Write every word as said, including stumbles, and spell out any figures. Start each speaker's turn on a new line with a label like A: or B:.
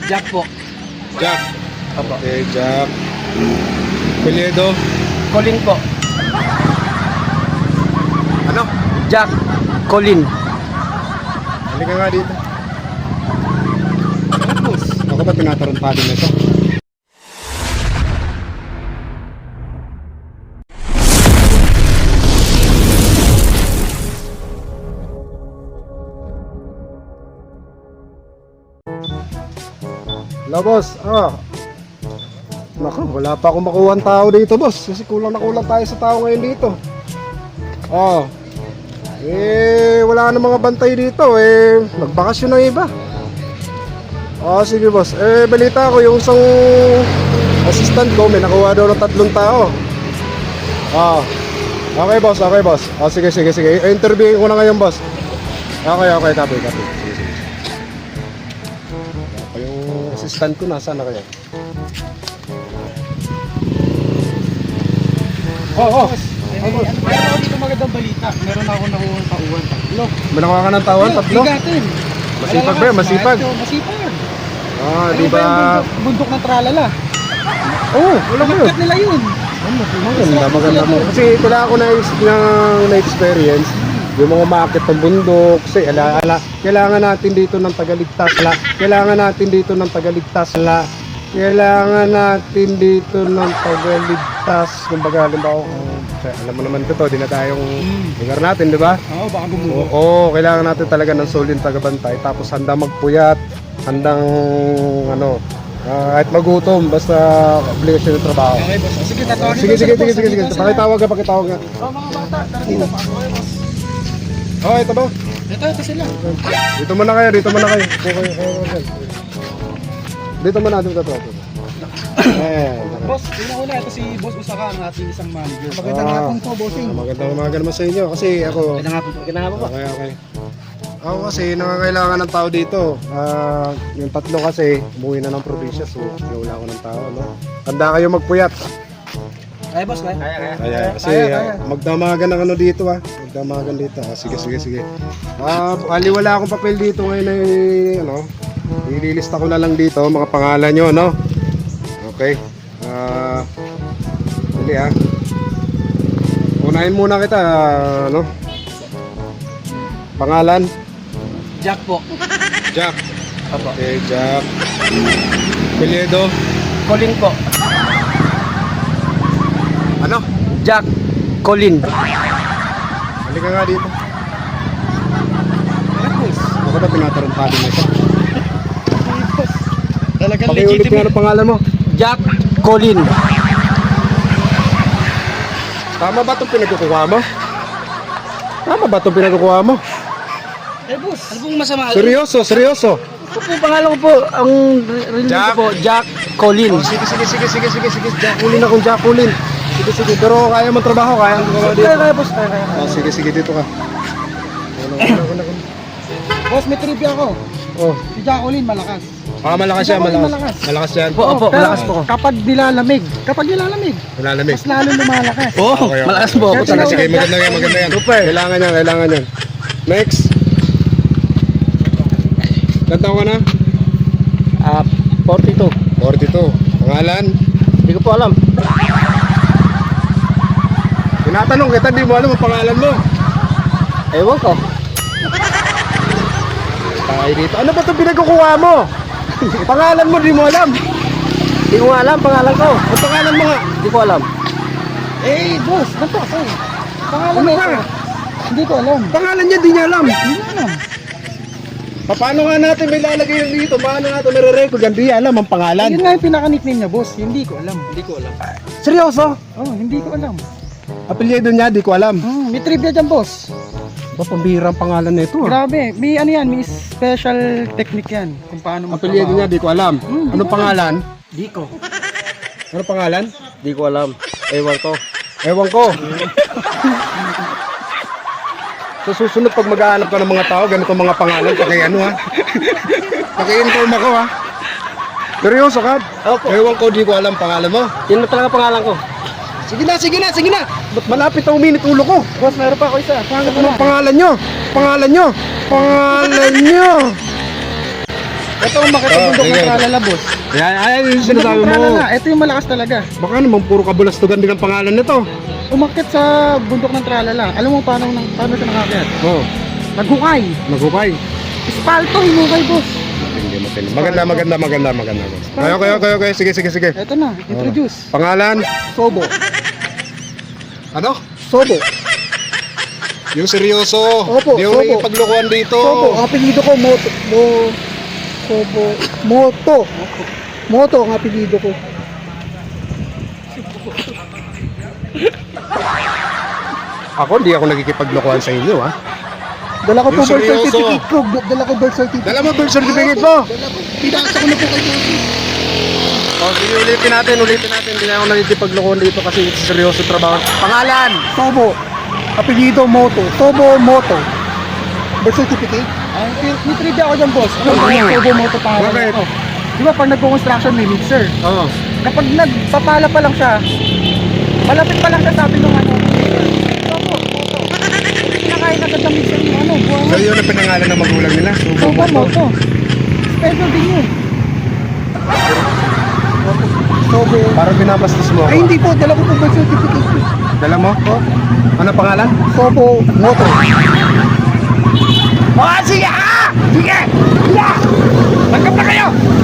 A: Jack po.
B: Jack.
A: Opo.
B: Okay, Jack. Apelyido.
A: Colin po.
B: Ano?
A: Jack Colin.
B: Halika nga dito. Tapos, ako ba tinatarumpado na ito? Hello, boss. Ah. Naku, wala pa akong makuha ang tao dito, boss. Kasi kulang na kulang tayo sa tao ngayon dito. Oh. Eh, wala na mga bantay dito. Eh, nagbakasyon na iba. Oh, sige, boss. Eh, balita ko yung isang assistant ko, may nakuha daw ng tatlong tao. Ah. Okay, boss. Okay, boss. Oh, sige, sige, sige. I-interviewin ko na ngayon, boss. Okay, okay. Copy, copy. Sige, sige. Yung assistant ko, nasaan na kaya? Oh, oh.
C: Ay, boss. Meron ako dito magandang balita. Meron ako nakuha ng tauhan. Tatlo.
B: May nakuha ka ng tauhan? Tatlo?
C: Bigatin.
B: Masipag ba yun? Masipag?
C: Masipag. Masipag.
B: Ah,
C: Ano
B: di
C: ba
B: ba?
C: yung bundok, bundok ng tralala?
B: Oo, oh, wala ko yun.
C: Cut nila yun.
B: Maganda, maganda mo. Kasi wala ako na, na experience yung mga umaakit ng bundok. Kasi ala, ala, kailangan natin dito ng tagaligtas. Ala, kailangan natin dito ng tagaligtas. Ala, kailangan natin dito ng tagaligtas. Kumbaga, halimbawa, um, alam mo naman ito, di na tayong lugar natin, di ba?
C: Oo, baka gumuho.
B: Oo, kailangan natin talaga ng solid tagabantay. Tapos handa magpuyat, handang ano, uh, kahit magutom, basta obligasyon ng trabaho.
C: Okay, boss. Sige, tatawagin
B: Sige,
C: ko
B: sige,
C: sila,
B: sige,
C: boss.
B: sige, sige.
C: Nandito sila.
B: Pakitawag ka, pakitawag ka.
C: Oh, mga bata, tara dito. Okay, boss.
B: Oh, ito ba?
C: Ito, ito sila.
B: Dito muna kayo, dito muna kayo. Dito kayo, kayo, kayo. Dito muna, dito, dito. dito. Eh,
C: Boss, una-una, ito si Boss Usaka, ang ating isang manager.
B: Ah.
C: Magandang hapon po, bossing.
B: magandang umaga naman sa inyo kasi ako.
C: Magandang hapon po. Magandang hapon po.
B: Okay, okay. Ako kasi nangangailangan ng tao dito. Ah, yung tatlo kasi umuwi na ng probinsya, so wala ako ng tao, no? Handa kayo magpuyat.
C: Kaya, boss, kaya? Kaya, kaya.
B: Kaya, kasi
C: Kaya, kaya.
B: ah, magdamagan ng ano dito ah. Magdamagan dito. Ah, sige, sige, sige. Ah, ali wala akong papel dito ngayon ay ano. Ililista ko na lang dito mga pangalan nyo, no? Okay. Ah, dali ah. Unahin muna kita, ah, ano? Pangalan?
A: Jack po.
B: Jack.
A: Opo.
B: Okay, Jack. Apelyido?
A: Colin po.
B: Ano?
A: Jack Colin.
B: Halika nga dito. Ako ba tinatarumpado na ito?
C: Talagang
B: Pakiulit nga
C: legitimate.
B: ang pangalan mo.
A: Jack Colin.
B: Tama ba itong pinagkukuha mo? Tama ba itong pinagkukuha mo?
C: Eh, boss.
A: Ano pong masama?
B: Seryoso, seryoso.
A: Ito po, pangalan ko po, ang rin ko
B: Jack.
A: po, Jack Colin.
B: Oh, sige, sige, sige, sige, sige, sige. Jacqueline akong Jacqueline. Sige, sige. Pero kaya mo trabaho, kaya mo trabaho dito.
A: Kaya, kaya, boss. Kaya, kaya.
B: Oh, sige, sige, dito ka. Ano, ano, ano, ano.
C: Boss, may trivia ako.
B: Oh,
C: Si Jacqueline, malakas.
B: ah, malakas siya,
C: Jacqueline,
B: malakas.
C: malakas.
B: Malakas yan.
A: Opo, opo,
C: Pero
A: malakas po.
C: Kapag nilalamig, kapag nilalamig,
B: Malalamig.
C: mas lalo lumalakas.
A: Oh,
B: Okay, okay.
A: malakas po.
C: Kaya
B: Sige,
C: tinawag-
B: sige, maganda yan, maganda yan. Super. Kailangan yan, kailangan yan. Next. Ganda ka na?
A: Ah, forty-two.
B: forty-two. Pangalan?
A: Hindi ko po alam.
B: Tinatanong kita, di mo alam ang pangalan mo.
A: Ewan ko.
B: Tayo dito. Ano ba itong pinagkukuha mo? Pangalan mo, di mo alam.
A: Hindi ko nga alam pangalan ko.
B: Ang pangalan mo nga.
A: Hindi ko alam.
C: Eh, boss, ganito kasi. Pangalan
B: Ano
C: mo
B: ka?
C: Hindi ko alam.
B: Pangalan niya, di niya alam.
C: Hindi ko alam.
B: Paano nga natin may lalagay yan dito? Paano natin may re-record yan? Di alam ang pangalan.
C: Yun nga yung pinaka-nickname niya, boss. Hindi ko alam.
A: Hindi ko alam.
B: Seryoso?
C: Oh, hindi ko alam.
B: Apelyido niya, di ko alam.
C: Hmm, may trivia dyan, boss.
B: Ba, pambihira ang pangalan na ito ah.
C: Grabe. May ano yan, may special technique yan. Kung paano magtrabaho.
B: Apelyido niya, di ko alam.
C: Hmm, di
B: Anong
C: ko
B: pangalan?
C: Di ko.
B: Anong pangalan?
A: Hindi ko alam. Ewan ko.
B: Ewan ko. Sa susunod pag maghahanap ka ng mga tao, ganito ang mga pangalan, paki ano ha. Paki-inform ako ha. Seryoso ka?
A: Opo.
B: Ewan ko, di ko alam pangalan mo.
A: Yun na talaga pangalan ko.
B: Sige na, sige na, sige na. Ba't malapit na uminit ulo ko?
C: Boss, meron pa ako isa.
B: Pangit mo ang pangalan nyo. Pangalan nyo. Pangalan nyo.
C: Ito ang makitubundok
B: Oh,
C: ng
B: sige.
C: tralala, boss.
B: Ayan, ayan yung
C: Bundok
B: sinasabi
C: ng
B: mo.
C: tralala, ito yung malakas talaga.
B: Baka naman puro kabulastugan din ang pangalan nito.
C: Umakyat sa bundok ng tralala. Alam mo paano, nang- paano siya nakakyat?
B: Oh,
C: Naghukay.
B: naghukay.
C: Espalto, hinukay, boss.
B: Hindi matindi. Maganda, maganda, maganda, maganda. Kayo, kayo, kayo, kayo. Sige, sige, sige.
C: Ito na, introduce.
B: Pangalan?
C: Sobo.
B: Ano?
C: Sobo.
B: Yung seryoso.
C: Opo,
B: Di yung
C: opo.
B: nakipaglokohan dito.
C: Sobo, ang apelido ko, Moto. Mo, Sobo. Moto. Moto ang apelido ko.
B: Ako, hindi ako nakikipaglokohan sa inyo, ha?
C: Dala ko po
B: Yung
C: birth
B: seryoso.
C: certificate ko. Dala ko birth certificate.
B: Dala mo birth certificate mo.
C: Dala ko. Pinasa ko na po kay Bossy.
B: O, sige, ulitin natin, ulitin natin. Hindi na ako nakikipaglokohan dito kasi seryoso trabaho. Pangalan?
C: Sobo. Apelido Moto. Sobo Moto. Birth certificate? Ay, may trivia ako dyan, boss. Ano ba yung Sobo Moto pangalan
B: Bakit?
C: ko? Di ba pag nagko-construction may mixer?
B: Oo.
C: Kapag nagpapala pa lang siya, malapit pa lang siya sabi ng ano, Sobo Moto. Kinakain agad ng mixer yung ano,
B: So,
C: buwangan.
B: yun ang pinangalan ng magulang nila.
C: Sobo Moto. Special din yun. Sobo.
B: Parang binabastos mo ako.
C: Ay hindi po, dala ko po birth certificate ko.
B: Dala mo? Ano pangalan?
C: Sobo Moto. Oh, sige ah! Sige! Yeah! Tanggap na kayo!